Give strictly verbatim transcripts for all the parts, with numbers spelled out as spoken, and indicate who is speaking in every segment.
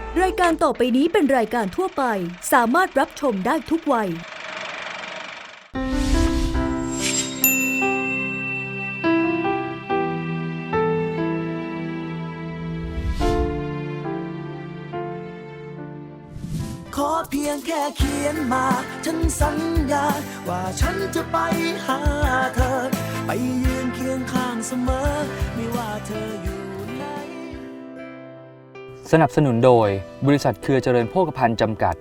Speaker 1: รายการต่อไปนี้เป็นรายการทั่วไปสามารถรับชมได้ทุกวัย
Speaker 2: ขอเพียงแค่เขียนมาฉันสัญญาว่าฉันจะไปหาเธอไปยืนเคียงข้างเสมอไม่ว่าเธออยู่ไหน
Speaker 3: สนับสนุนโดยบริษัทเครือเจริญโภคภัณฑ์จำกัด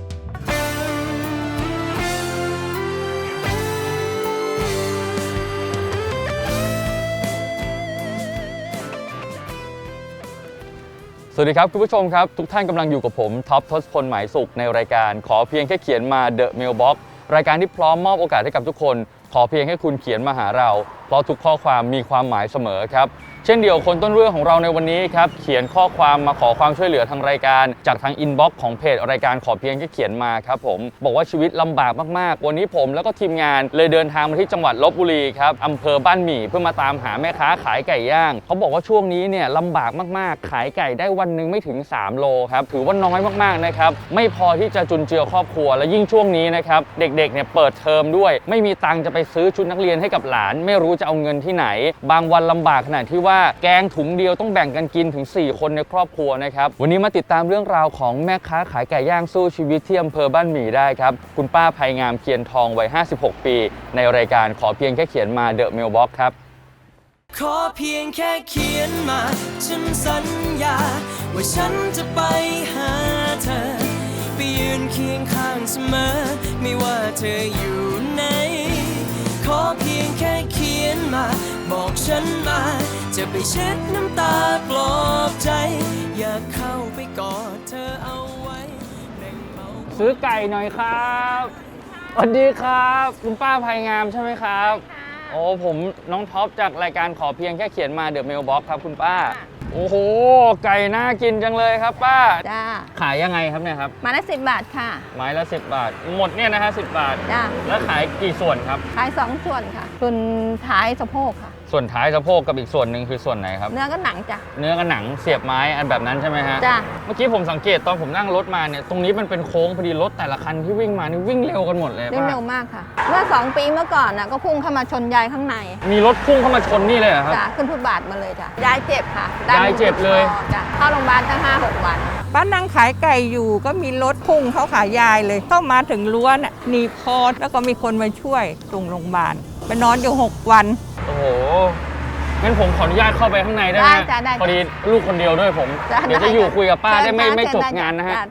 Speaker 3: สวัสดีครับคุณผู้ชมครับทุกท่านกำลังอยู่กับผมท็อปทศพลหมายสุขในรายการขอเพียงแค่เขียนมา The Mailbox รายการที่พร้อมมอบโอกาสให้กับทุกคนขอเพียงแค่คุณเขียนมาหาเราเพราะทุกข้อความมีความหมายเสมอครับเช่นเดียวคนต้นเรื่องของเราในวันนี้ครับเขียนข้อความมาขอความช่วยเหลือทางรายการจากทางอินบ็อกซ์ของเพจรายการขอเพียงแค่เขียนมาครับผมบอกว่าชีวิตลำบากมากๆวันนี้ผมแล้วก็ทีมงานเลยเดินทางมาที่จังหวัดลพบุรีครับอำเภอบ้านหมี่เพื่อมาตามหาแม่ค้าขายไก่ย่างเขาบอกว่าช่วงนี้เนี่ยลำบากมากๆขายไก่ได้วันนึงไม่ถึงสามโลครับถือว่าน้อยมากๆนะครับไม่พอที่จะจุนเจือครอบครัวและยิ่งช่วงนี้นะครับเด็กๆเนี่ยเปิดเทอมด้วยไม่มีตังค์จะไปซื้อชุดนักเรียนให้กับหลานไม่รู้จะเอาเงินที่ไหนบางวันลำบากขนาดที่ว่าแกงถุงเดียวต้องแบ่งกันกินถึงสี่คนในครอบครัวนะครับวันนี้มาติดตามเรื่องราวของแม่ค้าขายไก่ย่างสู้ชีวิตที่อำเภอบ้านหมี่ได้ครับคุณป้าภัยงามเคียนทองวัยห้าสิบหกปีในรายการขอเพียงแค่เขียนมา The Mailbox ครับ
Speaker 2: ขอเพียงแค่เขียนมาฉันสัญญาว่าฉันจะไปหาเธอไปยืนเคียงข้างเสมอไม่ว่าเธออยู่ไหนขอเพียงแค่เขียนมาบอกฉันมาจะไปเช็ดน้ำตาปลอบใจอยากเข้าไปกอดเธอเอาไว้
Speaker 3: ซื้อไก่หน่อยครับสวัสดีครับคุณป้าภัยงามใช่ไหมครับโอ้ผมน้องท็อปจากรายการขอเพียงแค่เขียนมา The Mailbox ครับคุณป้าโอ้โหไก่น่ากินจังเลยครับป้า
Speaker 4: จ้า
Speaker 3: ขายยังไงครับเนี่ยครับ
Speaker 4: ไม้ละสิบบาทค่ะ
Speaker 3: ไม้ละสิบบาทหมดเนี่ยนะฮะสิบบาท
Speaker 4: จ้า
Speaker 3: แล้วขายกี่ส่วนครับ
Speaker 4: ขายสองส่วนค่ะส่วนท้ายสะโพกค่ะ
Speaker 3: ส่วนท้ายสะโพกกับอีกส่วนหนึ่งคือส่วนไหนครับ
Speaker 4: เนื้อก็หนังจ้ะ
Speaker 3: เนื้อกับหนังเสียบไม้อันแบบนั้นใช่ไหมฮะ
Speaker 4: จ้ะ
Speaker 3: เมื่อกี้ผมสังเกตตอนผมนั่งรถมาเนี่ยตรงนี้มันเป็นโค้งพอดีรถแต่ละคันที่วิ่งมานี่วิ่งเร็วกันหมดเลย
Speaker 4: วิ่งเร็วมากค่ะเมื่อสองปีเมื่อก่อนน่ะก็พุ่งเข้ามาชนยายข้างใน
Speaker 3: มีรถพุ่งเข้ามาชนนี่เลยครับ
Speaker 4: จ้ะขึ้นฟุตบาทมาเลยจ้ะยายเจ็บค่ะ
Speaker 3: ยายเจ็บเลย
Speaker 4: จ้ะเข้าโรงพยาบาลตั้งห้าหกวัน
Speaker 5: ป้านั่งขายไก่อยู่ก็มีรถพุ่งเขาขายยายเลยเข้ามาถึงรั้วน่ะหนีบคอแล้วก็มีคนมาช่วยส่งโรงพยาบาลไปนอนอยู่หกวัน
Speaker 3: โอ้โหงั้นผมขออนุญาตเข้าไปข้างในได้ไหมพอดีลูกคนเดียวด้วยผมเดี๋ยวจะอยู่คุยกับป้าได้ไม่ไม่จบงานนะฮะ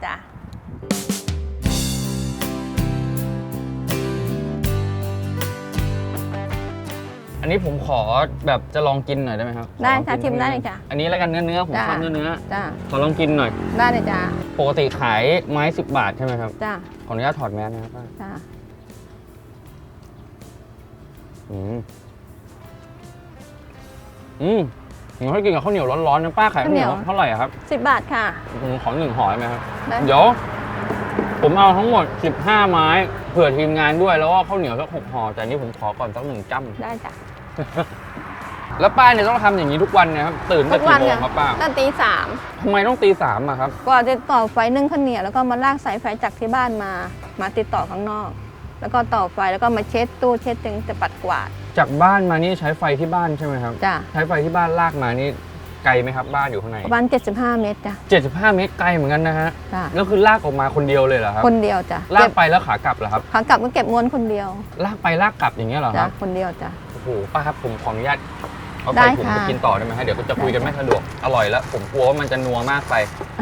Speaker 3: อันนี้ผมขอแบบจะลองกินหน่อยได้ไหมครับ
Speaker 4: ได้ค่ะชิมได้เลยจ้ะ
Speaker 3: อันนี้แล้วกันเนื้อเนื้อผมชอบเนื้อเนื้อ
Speaker 4: จ้ะ
Speaker 3: ขอลองกินหน่อย
Speaker 4: ได้เลยจ้ะ
Speaker 3: ปกติขายไม้สิบบาทใช่ไหมครับ
Speaker 4: จ้ะ
Speaker 3: ขออนุญาตถอดแมสนะครับป้า
Speaker 4: จ้ะ
Speaker 3: อืมอืมผมให้กินกับข้าวเหนียวร้อนๆนะป้าขายข้าวเหนียวเท่าไหร่ครับ
Speaker 4: สิบบาทค่ะ
Speaker 3: ผมขอหนึ่งห่อได้ไหมครับเดี๋ยวผมเอาทั้งหมดสิบห้าไม้เผื่อทีมงานด้วยแล้วก็ข้าวเหนียวสักหกห่อแต่นี่ผมขอก่อนสักหนึ่งจ้ำ
Speaker 4: ได้จ้ะ
Speaker 3: แล้วป้าเนี่ยต้องทำอย่างนี้ทุกวันนะครับตื่นตั้งกี่โมงครับป้า
Speaker 4: ตั้งตีสาม
Speaker 3: ทำไมต้องตีสามอะครับ
Speaker 4: ก็จะต่อไฟนึ่งข้าวเหนียวแล้วก็มาลากสายไฟจากที่บ้านมามาติดต่อข้างนอกแล้วก็ต่อไฟแล้วก็มาเช็ดตู้เช็ดจึงจะปัดกวาด
Speaker 3: จากบ้านมานี่ใช้ไฟที่บ้านใช่ไหมครับ
Speaker 4: จ้ะ
Speaker 3: ใช้ไฟที่บ้านลากมานี่ไกลไหมครับบ้านอยู่ข้างใน
Speaker 4: ประมาณเจ็ดสิบห้าเมตรจ้ะ
Speaker 3: เจ็ดสิบห้าเมตรไกลเหมือนกันนะฮะแล้วคือลากออกมาคนเดียวเลยเหรอครับ
Speaker 4: คนเดียวจ้ะ
Speaker 3: ลากไปแล้วขากลับเหรอครับ
Speaker 4: ขากลับก็เก็บม้วนคนเดียว
Speaker 3: ลากไปลากกลับอย่างเงี้ยเหรอครับ
Speaker 4: คนเดียวจ้ะ
Speaker 3: โอ้โหป้าครับผมขออนุญาตเอาไปผมไปกินต่อได้ไหมฮะเดี๋ยวจะคุยกันไม่สะดวกอร่อยแล้วผมกลัวว่ามันจะนัวมากไป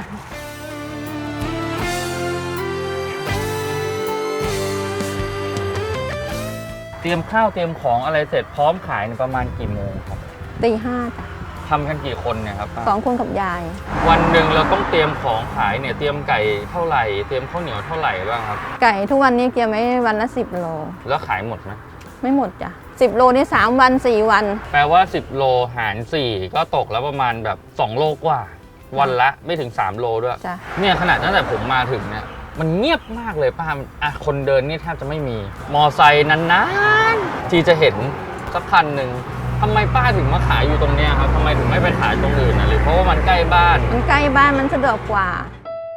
Speaker 3: เตรียมข้าวเตรียมของอะไรเสร็จพร้อมขายในประมาณกี่โมงครับ
Speaker 4: ตีห้าจ้ะ
Speaker 3: ทำกันกี่คนเนี่ยครับ
Speaker 4: สองคนกับยาย
Speaker 3: วันหนึ่งเราต้องเตรียมของขายเนี่ยเตรียมไก่เท่าไหร่เตรียมข้าวเหนียวเท่าไหร่บ้างครับ
Speaker 4: ไก่ทุกวันนี้เกี่ยวไม่วันละสิบโล
Speaker 3: แล้วขายหมดไหม
Speaker 4: ไม่หมดจ้ะสิบโลนี่สามวันสี่วัน
Speaker 3: แปลว่าสิบโลหารสี่ก็ตกแล้วประมาณแบบสองโลกว่าวันละไม่ถึงสามโลด้วยเนี่ยขนาดตั้งแต่ผมมาถึงเนี่ยมันเงียบมากเลยป้าอ่ะคนเดินนี่แทบจะไม่มีมอไซค์นานๆที่จะเห็นสักคันหนึ่งทำไมป้าถึงมาขายอยู่ตรงนี้ครับทำไมถึงไม่ไปขายตรงอื่นนะหรือเพราะว่ามันใกล้บ้าน
Speaker 4: มันใกล้บ้านมันสะดวกกว่า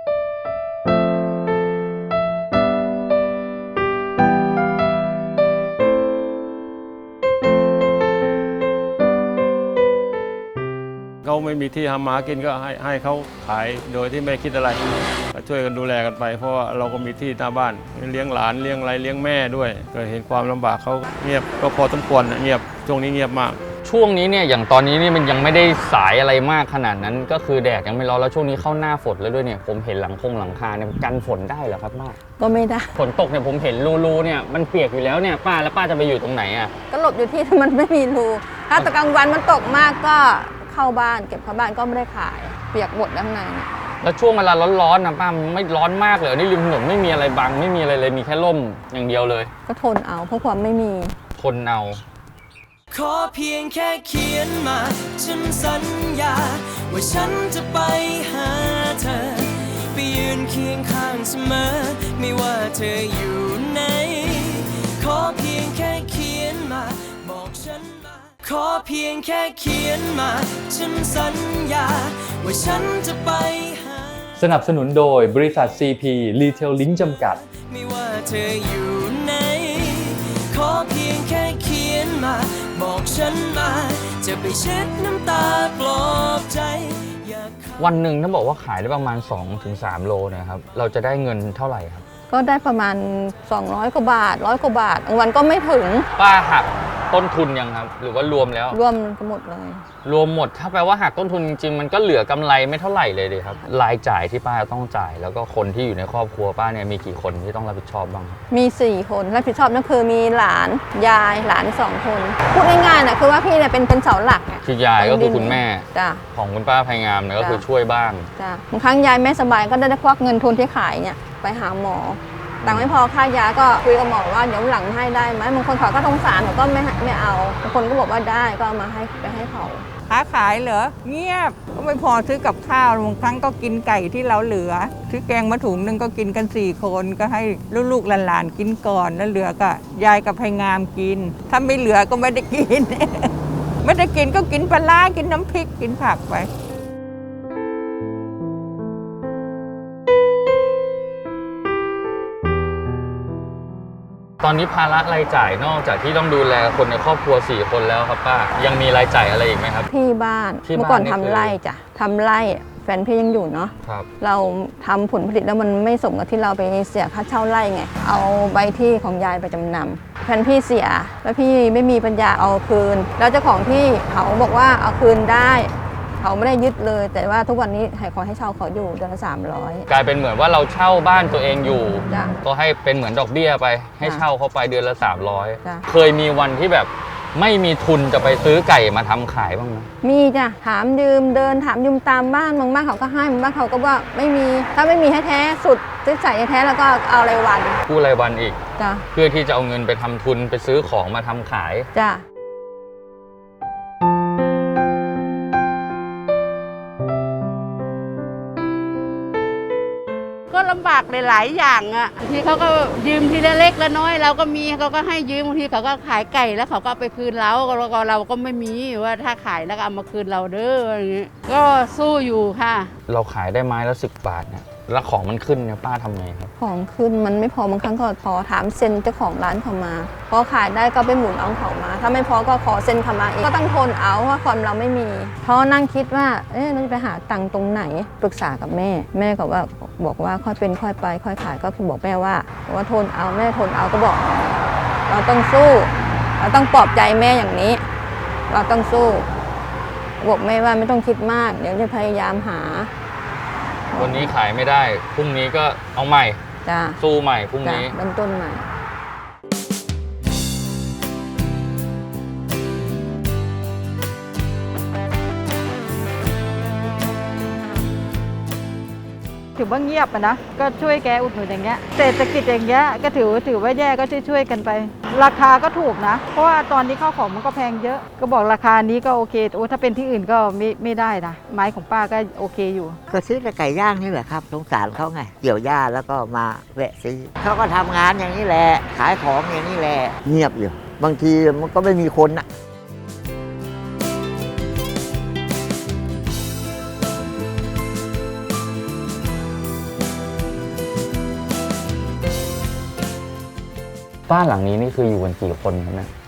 Speaker 6: ไม่มีที่ทำมากินก็ให้ให้เขาขายโดยที่ไม่คิดอะไรก็ช่วยกันดูแลกันไปเพราะว่าเราก็มีที่หน้าบ้านเลี้ยงหลานเลี้ยงอะไรเลี้ยงแม่ด้วยก็เห็นความลำบากเขาเงียบก็พอสมควรเงียบช่วงนี้เงียบมาก
Speaker 3: ช่วงนี้เนี่ยอย่างตอนนี้นี่มันยังไม่ได้สายอะไรมากขนาดนั้นก็คือแดดยังไม่ร้อนแล้วช่วงนี้เข้าหน้าฝนแล้วด้วยเนี่ยผมเห็นหลังคงหลังคาเนี่ยกันฝนได้เหรอครับป้า
Speaker 4: ก็ไม่ได้
Speaker 3: ฝนตกเนี่ยผมเห็นรูๆเนี่ยมันเปียกอยู่แล้วเนี่ยป้าแล้วป้าจะไปอยู่ตรงไหนอ่ะ
Speaker 4: ก็หลบอยู่ที่ที่มันไม่มีรูถ้าตะกลางวันมันตกมากก็เข้าบ้านเก็บเข้าบ้านก็ไม่ได้ขายเปียกหมดข้างใน
Speaker 3: แล้วช่วงเวลาร้อนๆนะป้าไม่ร้อนมากเลยนี่ริมถนนไม่มีอะไรบังไม่มีอะไรเลยมีแค่ร่มอย่างเดียวเลย
Speaker 4: ก็ทนเอาเพราะความไม่มี
Speaker 3: ทนเอา
Speaker 2: ขอเพียงแค่เขียนมาฉันสัญญาว่าฉันจะไปหาเธอไปยืนเคียงข้างเสมอไม่ว่าเธออยู่ไหนขอเพียงแค่เขียนมาบอกฉันมาขอเพียงแค่เขียนมาฉันสัญญาว่าฉันจะไปหา
Speaker 3: สนับสนุนโดยบริษัท ซี พี Retail Link จำกัด
Speaker 2: ไม่ว่าเธออยู่ไหนขอเพียงแค่เขียนมาบอกฉันมาจะไปเช็ดน้ำตาปลอบใจ
Speaker 3: วันหนึ่งถ้าบอกว่าขายได้ประมาณ สองถึงสาม โลนะครับเราจะได้เงินเท่าไหร่ครับ
Speaker 4: ก็ได้ประมาณสองร้อยกว่าบาทร้อยกว่าบาทบางวันก็ไม่ถึง
Speaker 3: ป้าหักต้นทุนยังครับหรือว่ารวมแล้ว
Speaker 4: รวมก็หมดเลย
Speaker 3: รวมหมดถ้าแปลว่าหักต้นทุนจริงๆมันก็เหลือกำไรไม่เท่าไหร่เลยเลยครับรายจ่ายที่ป้าต้องจ่ายแล้วก็คนที่อยู่ในครอบครัวป้าเนี่ยมีกี่คนที่ต้องรับผิดชอบบ้าง
Speaker 4: มีสี่คนรับผิดชอบนั่นคือมีหลานยายหลานสองคนพูดง่ายๆนะคือว่าพี่เนี่ยเป็นเป็นเสาหลัก
Speaker 3: คือยายก็คือคุณแม่ของคุณป้าภัยงามเนี่ยก็คือช่วยบ้าง
Speaker 4: จ้ะบางครั้งยายไม่สบายก็ได้ควักเงินทุนที่ขายเนี่ยไปหาหมอตังค์ไม่พอค่ายาก็คุยกับหมอว่าเดี๋ยวหลังให้ได้ไหมบางคนเขาก็สงสารเขาก็ไม่ไม่เอาบางคนก็บอกว่าได้ก็เอามาให้ไปให้เขา
Speaker 5: ค้าขายเหรอเงียบก็ไม่พอซื้อกับข้าวบางครั้งก็กินไก่ที่เราเหลือซื้อแกงมาถุงนึงก็กินกันสี่คนก็ให้ลูกๆหลานๆกินก่อนแล้วเหลือก็ยายกับพายงามกินถ้าไม่เหลือก็ไม่ได้กิน ไม่ได้กินก็กินปลาร้ากินน้ำพริกกินผักไป
Speaker 3: ตอนนี้ภาระรายจ่ายนอกจากที่ต้องดูแลคนในครอบครัวสี่คนแล้วครับป้ายังมีรายจ่ายอะไรอีกไหมครับ
Speaker 4: ที่บ้านเมื่อก่อนทำไร่จ้ะทำไร่แฟนพี่ยังอยู่เนาะเราทำผลผลิตแล้วมันไม่สมกับที่เราไปเสียค่าเช่าไร่ไงเอาใบที่ของยายไปจำนำแฟนพี่เสียแล้วพี่ไม่มีปัญญาเอาคืนแล้วเจ้าของที่เขาบอกว่าเอาคืนได้เขาไม่ได้ยึดเลยแต่ว่าทุกวันนี้ให้ขอให้เช่าเขาอยู่เดือนละสามร้อย
Speaker 3: กลายเป็นเหมือนว่าเราเช่าบ้านตัวเองอยู่ก็ให้เป็นเหมือนดอกเบี้ยไปให้เช่าเขาไปเดือนละสามร้อยเคยมีวันที่แบบไม่มีทุนจะไปซื้อไก่มาทำขายบ้างไหม
Speaker 4: มีจ้ะถามยืมเดินถามยืมตามบ้านบางบ้านเขาก็ให้บางบ้านเขาก็ว่าไม่มีถ้าไม่มีแท้ๆสุดซื้อใส่แท้แล้วก็เอารายวัน
Speaker 3: กู้รายวันอีกเพื่อที่จะเอาเงินไปทำทุนไปซื้อของมาทำขาย
Speaker 4: จ้ะ
Speaker 7: ก็ลำบากหลายๆอย่างอ่ะทีเขาก็ยืมทีละเล็กละน้อยเราก็มีเขาก็ให้ยืมบางทีเขาก็ขายไก่แล้วเขาก็ไปคืนเราแล้วก็เราก็ไม่มีว่าถ้าขายแล้วก็เอามาคืนเราเด้ออย่างเงี้ยก็สู้อยู่ค่ะ
Speaker 3: เราขายได้ไม้ละสิบบาทเนี่ยแล้วของมันขึ้นเนี่ยป้าทำไงครับ
Speaker 4: ของขึ้นมันไม่พอบางครั้งก็พอถามเซ็นเจ้าของร้านเขามาพอขายได้ก็ไปหมุนเอาเขามาถ้าไม่พอก็ขอเซ็นเขามาอีกก็ต้องทนเอาว่าความเราไม่มีเพราะนั่งคิดว่าเอ๊ะเราจะไปหาตังค์ตรงไหนปรึกษากับแม่แม่ก็ว่าบอกว่าค่อยเป็นค่อยไปค่อยขายก็คือบอกแม่ว่าว่าทนเอาแม่ทนเอาก็บอกเราต้องสู้เราต้องปลอบใจแม่อย่างนี้เราต้องสู้บอกแม่ว่าไม่ต้องคิดมากเดี๋ยวจะพยายามหา
Speaker 3: วันนี้ขายไม่ได้พรุ่งนี้ก็เอาใหม่สู้ใหม่พรุ่งนี้
Speaker 4: เริ่มต้นใหม่
Speaker 8: ถือว่าเงียบอะนะก็ช่วยแกอุดหนุนอย่างเงี้ยเศรษฐกิจอย่างเงี้ยก็ถือถือว่าแย่ก็ช่วยๆกันไปราคาก็ถูกนะเพราะว่าตอนนี้ข้าวของมันก็แพงเยอะก็บอกราคานี้ก็โอเคโอ้ถ้าเป็นที่อื่นก็ไม่ไม่ได้นะไม้ของป้าก็โอเคอยู่
Speaker 9: ก็ซื้อแต่ไก่ย่างนี่แหละครับสงสารเขาไงเกี่ยวหญ้าแล้วก็มาแวะซื้อเขาก็ทำงานอย่างนี้แหละขายของอย่างนี้แหละเงียบอยู่บางทีมันก็ไม่มีคนอะ
Speaker 3: บ้านหลังนี้นี่คืออยู่กันกี่คนครับเนี่ย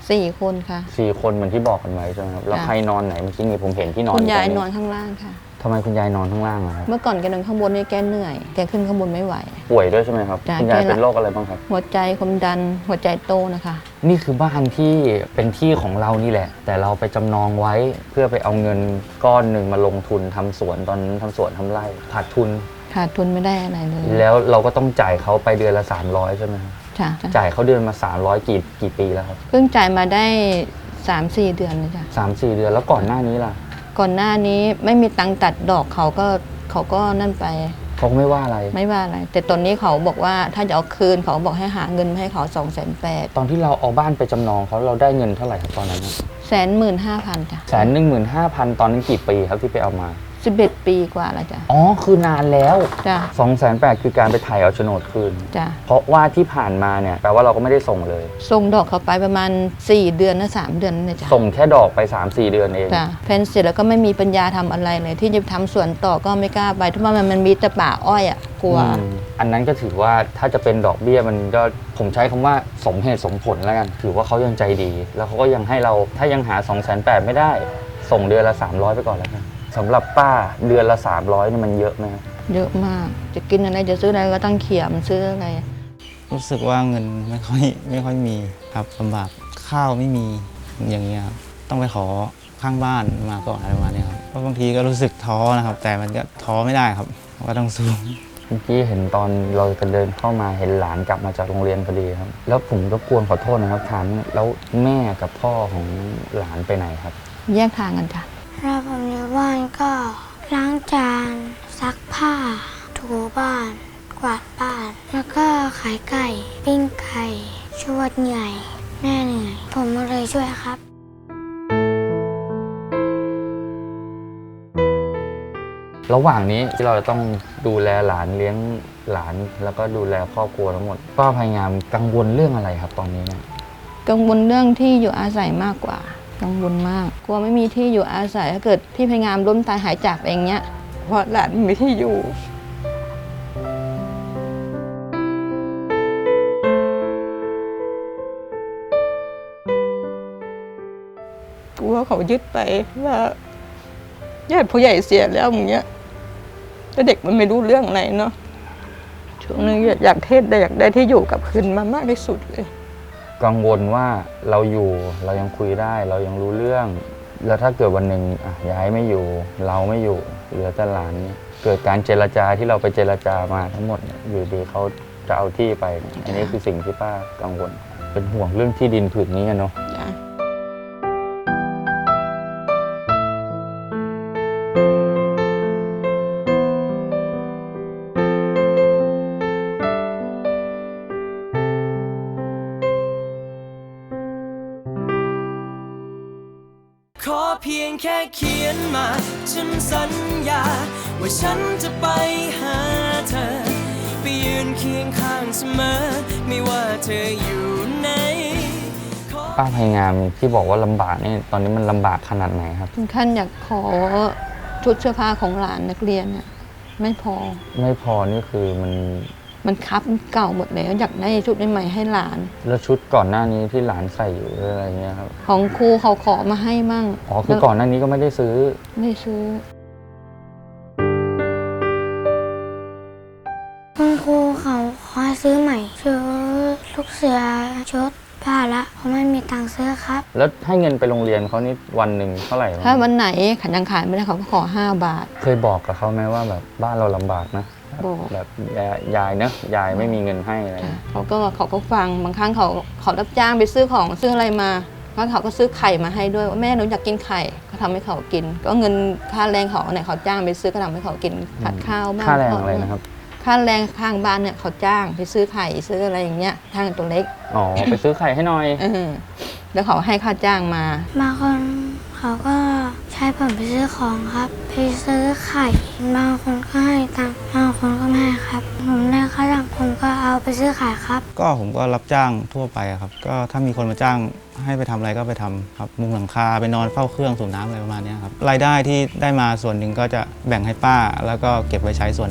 Speaker 4: สี่คนค่ะ
Speaker 3: สี่คนเหมือนที่บอกกันไว้ใช่ไหมครับแล้ว
Speaker 4: ค่ะ
Speaker 3: ใครนอนไหนเมื่อกี้นี่ผมเห็นที่นอน
Speaker 4: คุณยาย
Speaker 3: ตรง
Speaker 4: นอนข้างล่างค่ะ
Speaker 3: ทำไมคุณยายนอนข้างล่างอะครับ
Speaker 4: เมื่อก่อนแกนอนข้างบนเนี่ยแกเหนื่อยแกขึ้นข้างบนไม่ไหว
Speaker 3: ป่วยด้วยใช่ไหมครับ
Speaker 4: จ้ะ
Speaker 3: คุณยาย
Speaker 4: แกละ
Speaker 3: เป็นโรคอะไรบ้างครับ
Speaker 4: หัวใจความดันหัวใจโตนะคะ
Speaker 3: นี่คือบ้านที่เป็นที่ของเรานี่แหละ แต่เราไปจำนองไว้เพื่อไปเอาเงินก้อนหนึ่งมาลงทุนทำสวนตอนนั้นทำสวนทำไร่ขาดทุน
Speaker 4: ขาดทุนไม่ได้อะไรเลย
Speaker 3: แล้วเราก็ต้องจ่ายเขาไปเดือนละสามร้อยใช่ไหมครับ
Speaker 4: จ้ะ
Speaker 3: จ่ายเขาเดือนมาสามร้อยกี่กี่ปีแล้วครับ
Speaker 4: เพิ่งจ่ายมาได้สามสี่เดือนเลยจ้ะ
Speaker 3: สามสี่เดือนแล้วก่อนหน้านี้ล่ะ
Speaker 4: ก่อนหน้านี้ไม่มีตังค์ตัดดอกเขาก็เขาก็นั่นไป
Speaker 3: เขาก็ไม่ว่าอะไร
Speaker 4: ไม่ว่าอะไร แต่ตอนนี้เขาบอกว่าถ้าจะเอาคืนเขาบอกให้หาเงินมาให้เขาสองแสนแปด
Speaker 3: ตอนที่เราเอาบ้านไปจำนองเขาเราได้เงินเท่าไหร่ครับตอนนั้น
Speaker 4: แสนหมื่นห้าพันจ้ะ
Speaker 3: แสนหนึ่งหมื่นห้าพันตอนนั้นกี่ปีครับที่ไปเอามา
Speaker 4: สิบเอ็ดปีกว่าแล้วจ้ะ
Speaker 3: อ๋อคือนานแล้ว
Speaker 4: จ้ะ
Speaker 3: สองแสนแปดคือการไปถ่ายเอาโฉนดคืน
Speaker 4: จ้ะ
Speaker 3: เพราะว่าที่ผ่านมาเนี่ยแปลว่าเราก็ไม่ได้ส่งเลย
Speaker 4: ส่งดอกเขาไปประมาณสี่เดือนนะสามเดือนนี่จ้ะ
Speaker 3: ส่งแค่ดอกไป สามสี่ เดือนเอง
Speaker 4: จ้ะแฟนเสร็จแล้วก็ไม่มีปัญญาทำอะไรเลย ที่จะทำสวนต่อก็ไม่กล้าไปเพราะว่ามันมันมีแต่ป่าอ้อยอ่ะกลัว
Speaker 3: อืมอันนั้นก็ถือว่าถ้าจะเป็นดอกเบี้ยมันก็ผมใช้คำว่าสมเหตุสมผลแล้วกัน ถือว่าเขายังใจดี แล้วเขาก็ยังให้เราถ้ายังหา สองแสนแปด ไม่ได้ ส่งเดือนละ สามร้อย ไปก่อนแล้วกันสำหรับป้าเดือนละ สามร้อยนี่มันเยอะไหมครับ
Speaker 4: เยอะมาก จะกินอะไรจะซื้ออะไรก็ต้องเขี่ยมันซื้ออะไร
Speaker 10: รู้สึกว่าเงินไม่ค่อยไม่ค่อยมีครับลำบากข้าวไม่มีอย่างเงี้ยครับต้องไปขอข้างบ้านมาก่อนอะไรประมาณเนี้ยครับเพราะบางทีก็รู้สึกท้อนะครับ แต่มันก็ท้อไม่ได้ครับก็ต้องสู้
Speaker 3: เมื่อกี้เห็นตอนเราจะเดินเข้ามาเห็นหลานกลับมาจากโรงเรียนพอดีครับ แล้วผมก็กวนขอโทษนะครับถามแล้วแม่กับพ่อของหลานไปไหนครับ
Speaker 4: แยกทางกันจ้ะ
Speaker 11: ถ้าผมอยู่บ้านก็ล้างจานซักผ้า ถูบ้าน กวาดบ้าน แล้วก็ขายไก่ ปิ้งไก่ช่วยเหนื่อยแม่เหนื่อยผมก็เลยช่วยครับ
Speaker 3: ระหว่างนี้ที่เราจะต้องดูแลหลานเลี้ยงหลานแล้วก็ดูแลครอบครัวทั้งหมดป้าพยายามกังวลเรื่องอะไรครับตอนนี้เนี่ย
Speaker 4: กังวลเรื่องที่อยู่อาศัยมากกว่า กังวลมากกลัวไม่มีที่อยู่อาศัยถ้าเกิดพี่พยายามล้มตายหายจากไปอย่างเงี้ยเพราะหลานไม่มีที่อยู่กลัวเขายึดไปว่าญาติผู้ใหญ่เสียแล้วอย่างเงี้ยแต่เด็กมันไม่รู้เรื่องอะไรเนาะช่วงนึงอยากเทศได้อยากได้ที่อยู่กับคืนมามากที่สุดเลย
Speaker 3: กังวลว่าเราอยู่เรายังคุยได้เรายังรู้เรื่อง แล้วถ้าเกิดวันหนึ่งอ่ะย้ายไม่อยู่เราไม่อยู่เหลือแต่หลานเนี่ยเกิดการเจรจาที่เราไปเจรจามาทั้งหมดเนี่ยอยู่ดีเขาจะเอาที่ไปเนี่ยอันนี้คือสิ่งที่ป้ากังวลเป็นห่วงเรื่องที่ดินผืนนี้อะเนาะ
Speaker 4: จ้ะ
Speaker 2: ขอเพียงแค่เขียนมา ฉันสัญญา ว่าฉันจะไปหาเธอ ไปยืนเคียงข้างเสมอ ไม่ว่าเธออยู่ไหน
Speaker 3: ป้าพยายามที่บอกว่าลำบากนี่ตอนนี้มันลำบากขนาดไหนครับ
Speaker 4: ถึงขั้นอยากขอชุดเสื้อผ้าของหลานนักเรียนน่ะไม่พอ
Speaker 3: ไม่พอนี่คือมัน
Speaker 4: มันคับมันเก่าหมดแล้วอยากได้ชุดใหม่ๆให้หลาน
Speaker 3: แล้วชุดก่อนหน้านี้ที่หลานใส่อยู่หรืออะไรเงี้ยครับ
Speaker 4: ของครูเขาขอมาให้มั่ง
Speaker 3: อ๋อคือก่อนหน้านี้ก็ไม่ได้ซื้อ
Speaker 4: ไม่ซื้อ
Speaker 11: คุณครูเขาขอให้ซื้อใหม่ชุดลูกเสือชุดผ้าละเพราะไม่มีตังค์ซื้อครับ
Speaker 3: แล้วให้เงินไปโรงเรียนเขานี่วันหนึ่งเท่าไหร่วะ
Speaker 4: ถ้าวันไหนขันยังขายไม่ได้เขาก็ขอห้าบาท
Speaker 3: เคยบอกกับเขาไหมว่าแบบบ้านเราลำบากนะ
Speaker 4: บอก
Speaker 3: แบบยายยายเนอะยายไม่มีเงินให้อะไร
Speaker 4: จ้ะเขาก็เขาก็ฟังบางครั้งเขาเขารับจ้างไปซื้อของซื้ออะไรมาแล้วเขาก็ซื้อไข่มาให้ด้วยว่าแม่หนูอยากกินไข่ก็ทำให้เขากิน ก็เงินค่าแรงเขาเนี่ยเขาจ้างไปซื้อก็ทำให้เขากินผัดข้าวบ้าง
Speaker 3: ค่าแรงอะไรนะครับ
Speaker 4: ค่าแรงข้างบ้านเนี่ยเขาจ้างไปซื้อไข่ซื้ออะไรอย่างเงี้ยทางตัวเล็ก
Speaker 3: อ๋อไปซื้อไข่ให้หน่อย
Speaker 4: เออแล้วเขาให้ค่าจ้างมา
Speaker 11: บางคนเขาก็ใช้ผมไปซื้อของครับ ไปซื้อไข่ บางคนก็ให้ตังค์บางคนก็ไม่ให้ครับ ผมได้ค่าจ้างผมก็เอาไปซื้อไข่ครับ
Speaker 10: ก็ผมก็รับจ้างทั่วไปอะครับ ก็ถ้ามีคนมาจ้างให้ไปทำอะไรก็ไปทำครับมุงหลังคาไปนอนเฝ้าเครื่องสูบน้ำอะไรประมาณเนี้ยครับรายได้ที่ได้มาส่วนหนึ่งก็จะแบ่งให้ป้า แล้วก็เก็บไว้ใช้ส่วนหนึ่งครับ
Speaker 3: ป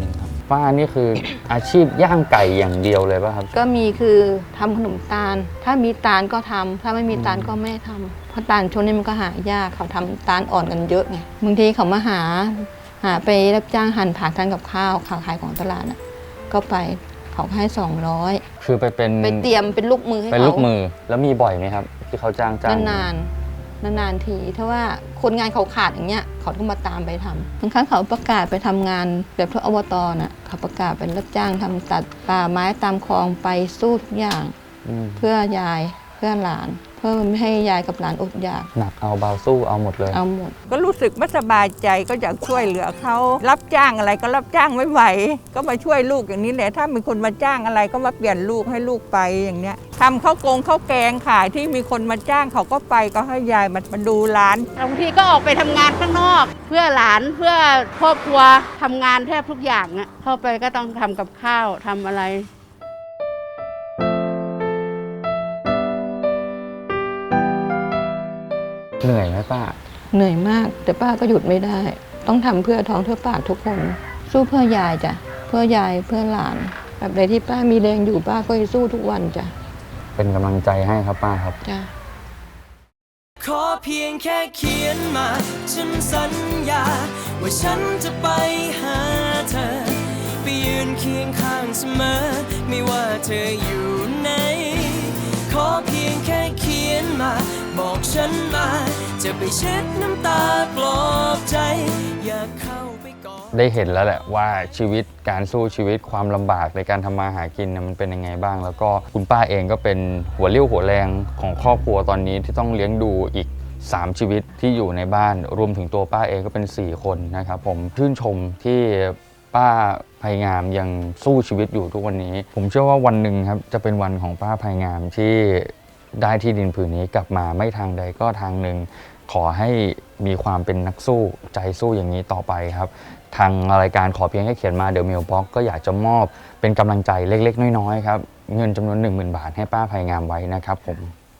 Speaker 3: ป้านี่คืออาชีพย่างไก่อย่างเดียวเลยป่ะครับ
Speaker 4: ก็มีคือทำขนมตาล ถ้ามีตาลก็ทำถ้าไม่มีตาลก็ไม่ทำเพราะตาลช่วงนี้มันก็หายากเขาทำตาลอ่อนกันเยอะไงบางทีเขามาหาหาไปรับจ้างหั่นผักทานกับข้าวขายของตลาดน่ะก็ไปเขาให้สองร้อย
Speaker 3: คือไปเป็น
Speaker 4: ไปเตรียมเป็นลูกมือให้เขา
Speaker 3: เป็นลูกมือแล้วมีบ่อยไหมครับ ที่เขาจ้างจ้าง
Speaker 4: นานๆนานๆทีถ้าว่าคนงานเขาขาดอย่างเงี้ยเขาก็มาตามไปทำบางครั้งเขาประกาศไปทำงานแบบพวกอบตน่ะเขาประกาศเป็นรับจ้างทำตัดป่าไม้ตามคลองไปสู้ทุกอย่าง
Speaker 3: อืม
Speaker 4: เพื่อยายเพื่อหลาน เพื่อไม่ให้ยายกับหลานอดอยาก
Speaker 3: หนักเอาเบาสู้เอาหมดเลย
Speaker 4: เอาหมด
Speaker 5: ก็รู้สึกไม่สบายใจก็อยากช่วยเหลือเขารับจ้างอะไรก็รับจ้างไม่ไหวก็มาช่วยลูกอย่างนี้แหละถ้ามีคนมาจ้างอะไรก็มาเปลี่ยนลูกให้ลูกไปอย่างเนี้ยทำข้าวกงข้าวแกงขายที่มีคนมาจ้างเขาก็ไปก็ให้ยายมามาดูร้าน
Speaker 7: บางทีก็ออกไปทำงานข้างนอก เพื่อหลานเพื่อครอบครัวทำงานแทบทุกอย่างอะเข้าไปก็ต้องทำกับข้าวทำอะไร
Speaker 3: เหนื่อยไหมป้า
Speaker 4: เหนื่อยมาก แต่ป้าก็หยุดไม่ได้ ต้องทำเพื่อท้องเพื่อปากทุกคน สู้เพื่อยายจ้ะเพื่อยายเพื่อหลานแบบใดที่ป้ามีแรงอยู่ป้าก็จะสู้ทุกวันจ้ะ
Speaker 3: เป็นกำลังใจให้ครับป้าครับ
Speaker 4: จ้ะ
Speaker 2: ขอเพียงแค่เขียนมาฉันสัญญาว่าฉันจะไปหาเธอไปยืนเคียงข้างเสมอไม่ว่าเธออยู่ไหนขอเพียงแค่เขียนมาบอกฉันมาจะไปเช็ดน้ำตาปลอบใจอยากเข้าไปกอด
Speaker 3: ได้เห็นแล้วแหละว่าชีวิตการสู้ชีวิตความลำบากในการทำมาหากินเนี่ยมันเป็นยังไงบ้าง แล้วก็คุณป้าเองก็เป็นหัวเรี่ยวหัวแรงของครอบครัวตอนนี้ที่ต้องเลี้ยงดูอีกสามชีวิตที่อยู่ในบ้านรวมถึงตัวป้าเองก็เป็นสี่คนนะครับผมชื่นชมที่ป้าภัยงามยังสู้ชีวิตอยู่ทุกวันนี้ ผมเชื่อว่าวันหนึ่งครับจะเป็นวันของป้าภัยงามที่ได้ที่ดินผืนนี้กลับมาไม่ทางใดก็ทางหนึ่งขอให้มีความเป็นนักสู้ใจสู้อย่างนี้ต่อไปครับทางรายการขอเพียงแค่เขียนมาเดอะมิลบ็อกก็อยากจะมอบเป็นกำลังใจเล็กๆน้อยๆครับเงินจำนวน หนึ่งหมื่น บาทให้ป้าภัยงามไว้นะครับผม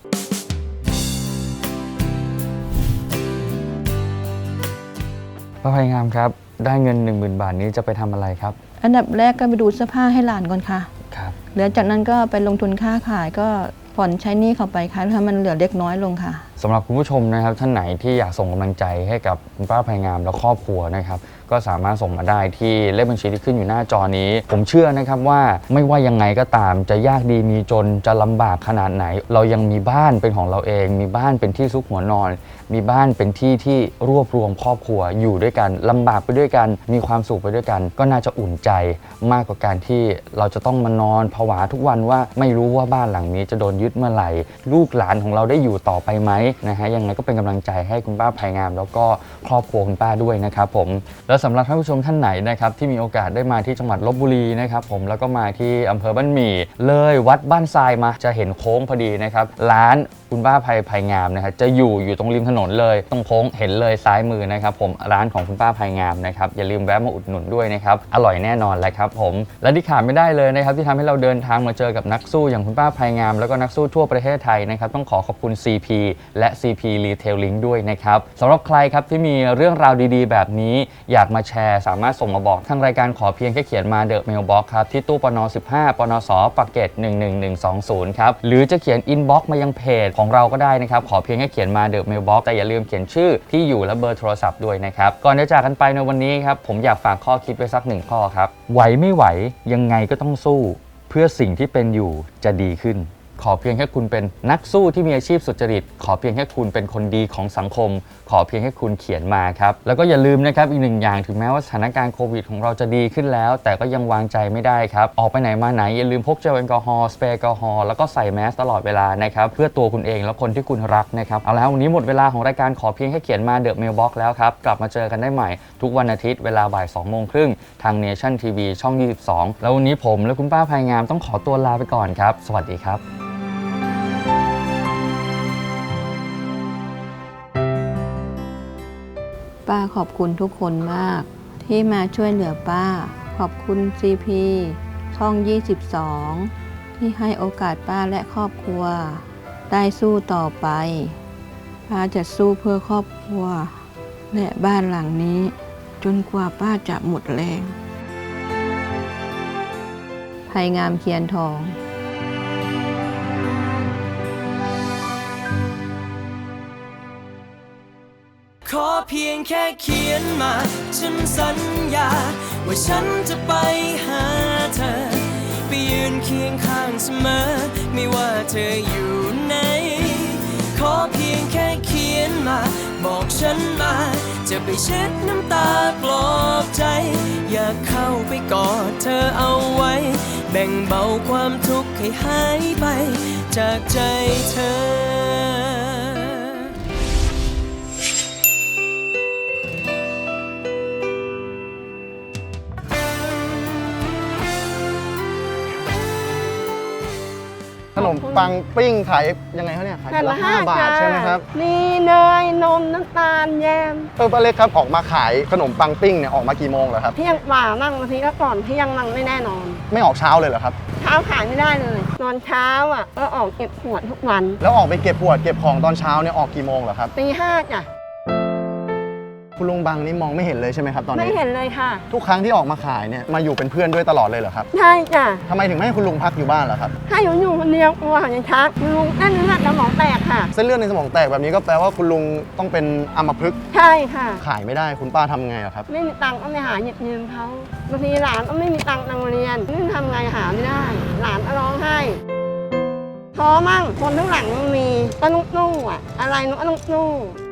Speaker 3: ป้าภัยงามครับได้เงิน หนึ่งหมื่น บาทนี้จะไปทำอะไรครับ
Speaker 4: อันดับแรกก็ไปดูเสื้อผ้าให้หลานก่อนค่ะ
Speaker 3: ครับ
Speaker 4: เหลือจากนั้นก็ไปลงทุนค้าขายก็ผ่อนใช้หนี้เขาไปค่ะถ้ามันเหลือเล็กน้อยลงค่ะ
Speaker 3: สำหรับคุณผู้ชมนะครับท่านไหนที่อยากส่งกำลังใจให้กับคุณป้าภัยงามและครอบครัวนะครับก็สามารถส่งมาได้ที่เลขบัญชีที่ขึ้นอยู่หน้าจอนี้ ผมเชื่อนะครับว่าไม่ว่ายังไงก็ตามจะยากดีมีจนจะลำบากขนาดไหน เรายังมีบ้านเป็นของเราเอง มีบ้านเป็นที่ซุกหัวนอน มีบ้านเป็นที่ที่รวบรวมครอบครัวอยู่ด้วยกันลำบากไปด้วยกันมีความสุขไปด้วยกัน ก็น่าจะอุ่นใจมากกว่าการที่เราจะต้องมานอนผวาทุกวันว่าไม่รู้ว่าบ้านหลังนี้จะโดนยึดเมื่อไหร่ลูกหลานของเราได้อยู่ต่อไปไหมนะฮะยังไงก็เป็นกำลังใจให้คุณป้าภัยงามแล้วก็ครอบครัวคุณป้าด้วยนะครับผมแล้วสำหรับท่านผู้ชมท่านไหนนะครับที่มีโอกาสได้มาที่จังหวัดลพบุรีนะครับผมแล้วก็มาที่อำเภอบ้านหมี่เลยวัดบ้านทรายมาจะเห็นโค้งพอดีนะครับร้านคุณป้าภัยภัยงามนะครับจะอยู่อยู่ตรงริมถนนเลยตรงโค้งเห็นเลยซ้ายมือนะครับผมร้านของคุณป้าภัยงามนะครับอย่าลืมแวะมาอุดหนุนด้วยนะครับอร่อยแน่นอนแหละครับผมและที่ขาดไม่ได้เลยนะครับที่ทำให้เราเดินทางมาเจอกับนักสู้อย่างคุณป้าภัยงามแล้วก็นักสู้ทั่วประเทศไทยนะครับต้องขอขอบคุณ ซี พี และ ซี พี Retailing ด้วยนะครับสำหรับใครครับที่มีเรื่องราวดีๆแบบนี้อยากมาแชร์สามารถส่งมาบอกทางรายการขอเพียงแค่เขียนมาเดอะเมลบ็อกครับที่ตู้ปนสิบห้าปนสปากเกร็ดหนึ่งหนึ่งหนึ่งสองศูนย์ครับหรือจะเขียนอินบ็อกซ์มายังเพจของเราก็ได้นะครับขอเพียงแค่เขียนมาเดอะเมลบ็อกซ์แต่อย่าลืมเขียนชื่อที่อยู่และเบอร์โทรศัพท์ด้วยนะครับก่อนจะจากกันไปในวันนี้ครับผมอยากฝากข้อคิดไว้สักหนึ่งข้อครับไหวไม่ไหวยังไงก็ต้องสู้เพื่อสิ่งที่เป็นอยู่จะดีขึ้นขอเพียงแค่คุณเป็นนักสู้ที่มีอาชีพสุจริตขอเพียงแค่คุณเป็นคนดีของสังคมขอเพียงแค่คุณเขียนมาครับแล้วก็อย่าลืมนะครับอีกหนึ่งอย่างถึงแม้ว่าสถานการณ์โควิดของเราจะดีขึ้นแล้วแต่ก็ยังวางใจไม่ได้ครับออกไปไหนมาไหนอย่าลืมพกเจลแอลกอฮอล์สเปรย์แอลกอฮอล์แล้วก็ใส่แมสตลอดเวลานะครับเพื่อตัวคุณเองและคนที่คุณรักนะครับเอาแล้ววันนี้หมดเวลาของรายการขอเพียงแค่เขียนมาเดอะเมลบ็อกซ์แล้วครับกลับมาเจอกันได้ใหม่ทุกวันอาทิตย์เวลาบ่ายสองโมงครึ่งทาง Nation ที วี ช่องยี่สิบสองแล้ววันนี้ผมและคุณป้าภัยงามต้องขอตัวลาไปก่อนครับสวัสดีครับ
Speaker 4: ป้าขอบคุณทุกคนมากที่มาช่วยเหลือป้าขอบคุณ ซี พี ช่องยี่สิบสองที่ให้โอกาสป้าและครอบครัวได้สู้ต่อไปป้าจะสู้เพื่อครอบครัวและบ้านหลังนี้จนกว่าป้าจะหมดแรงภัยงามเคียนทอง
Speaker 2: ขอเพียงแค่เขียนมาฉันสัญญาว่าฉันจะไปหาเธอไปยืนเคียงข้างเสมอไม่ว่าเธออยู่ไหนขอเพียงแค่เขียนมาบอกฉันมาจะไปเช็ดน้ำตาปลอบใจอยากเข้าไปกอดเธอเอาไว้แบ่งเบาความทุกข์ให้หายไปจากใจเธอ
Speaker 12: ขนมปังปิ้งขายยังไงเขาเนี่ยขายละห้าบาทใช่ไหมครับ
Speaker 13: มีเนยนมน้ำตาลแยม
Speaker 12: เออป้าเล็กครับออกมาขายขนมปังปิ้งเนี่ยออกมากี่โมงเหรอครับ
Speaker 13: เที่ยงกว่านั่งบางทีก็ก่อนเที่ยงนั่งไม่แน่นอน
Speaker 12: ไม่ออกเช้าเลยเหรอครับ
Speaker 13: เช้าขายไม่ได้เลยตอนเช้าอ่ะก็ออกเก็บขวดทุกวัน
Speaker 12: แล้วออกไปเก็บขวดเก็บของตอนเช้าเนี่ยออกกี่โมงเหรอครับ
Speaker 13: ตีห้าจ้ะ
Speaker 12: คุณลุงบังนี่มองไม่เห็นเลยใช่ไหมครับตอนนี้
Speaker 13: ไม่เห็นเลยค่ะ
Speaker 12: ทุกครั้งที่ออกมาขายเนี่ยมาอยู่เป็นเพื่อนด้วยตลอดเลยเหรอครับ
Speaker 13: ใช่จ้ะ
Speaker 12: ทำไมถึงไม่ให้คุณลุงพักอยู่บ้านล่ะครับ
Speaker 13: ถ้าอยู่อยู่คนเดียวกลัวหายชักลุงเส้นเลือดสมองแตกค่ะ
Speaker 12: เส้นเลือดในสมองแตกแบบนี้ก็แปลว่าคุณลุงต้องเป็นอัมพฤกษ์
Speaker 13: ใช่ค่ะ
Speaker 12: ขายไม่ได้คุณป้าทำไงอะครับ
Speaker 13: ไม่มีตังค์ก็ไม่หาหยิบยืมเขาบางทีหลานก็ไม่มีตังค์ตังค์เรียนนี่ทำไงหาไม่ได้ หลานก็ร้องไห้ท้อมั่งคนทั้างหลังมันมีก็นุกนู่อ่ะอะไรนุกก็นุกนู่